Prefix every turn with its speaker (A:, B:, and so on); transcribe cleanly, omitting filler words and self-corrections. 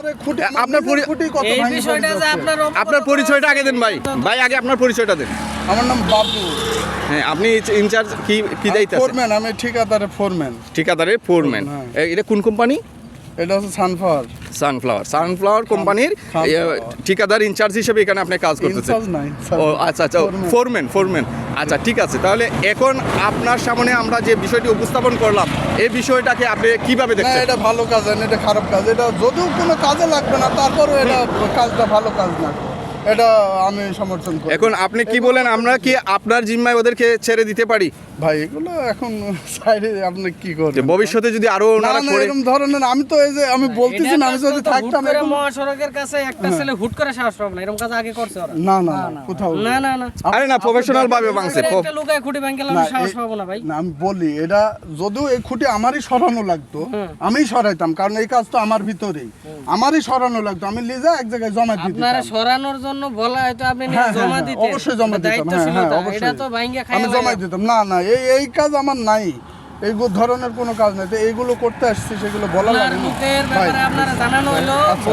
A: আপনার পরিচয়টা আগে দেন ভাই, আগে আপনার পরিচয়টা দেন।
B: আমার নাম বাবু।
A: হ্যাঁ, আপনি ইনচার্জ কি দায়িত্ব?
B: ফোরম্যান, আমি ঠিকাদারের ফোরম্যান।
A: এটা কোন কোম্পানি?
B: এটা হচ্ছে
A: সানফ্লাওয়ার কোম্পানির ঠিকাদার ইনচার্জ হিসেবে এখানে আপনি কাজ করতেছেন। ও আচ্ছা, ফোরম্যান। আচ্ছা, ঠিক আছে। তাহলে এখন আপনার সামনে আমরা যে বিষয়টি উপস্থাপন করলাম, এই বিষয়টাকে আপনি কিভাবে দেখছেন?
B: এটা ভালো কাজ না, এটা খারাপ কাজ। এটা যদিও কোনো কাজে লাগবে না, তারপরেও এটা কাজটা ভালো কাজ না, এটা আমি সমর্থন করি।
A: এখন আপনি কি বলেন, আমরা কি আপনার জিম্মায় ওদেরকে ছেড়ে দিতে পারি?
B: ভাই এগুলো এখন সাইডে আপনি কি করবেন?
A: ভবিষ্যতে যদি আরো
B: এরকম ধরনের, আমি তো এই যে আমি বলতেছি না, আমি যদি থাকতাম
C: মহাসড়কের কাছে একটা ছেলে হুট করে সাহস পাবে না, এরকম কাজ আগে করছে ওরা।
B: না কোথাও
C: না
A: আরে না, প্রফেশনাল ভাবে ভাঙছে।
C: একটা লুকায় খুঁটি ভাঙলাম, সাহস পাবো না ভাই।
B: না, আমি বলি এটা যদিও এই খুঁটি আমারই সরানো লাগতো, আমিই সরাইতাম, কারণ এই কাজ তো আমার ভিতরেই, আমারই সরানো লাগতো। আমি লিজা এক জায়গায় জমা দিতাম।
C: আপনারা সরানোর জন্য বলা হয়তো আপনি জমা দিতেন,
B: অবশ্যই জমা দিতাম।
C: এটা তো ভাঙিয়া খাই
B: আমি জমা দিতাম। না এই কাজ আমার নাই, এই ধরনের কোনো কাজ নাই। তো এইগুলো করতে আসছি, সেগুলো বলা লাগে না।
C: আপনারা জানানো হলো।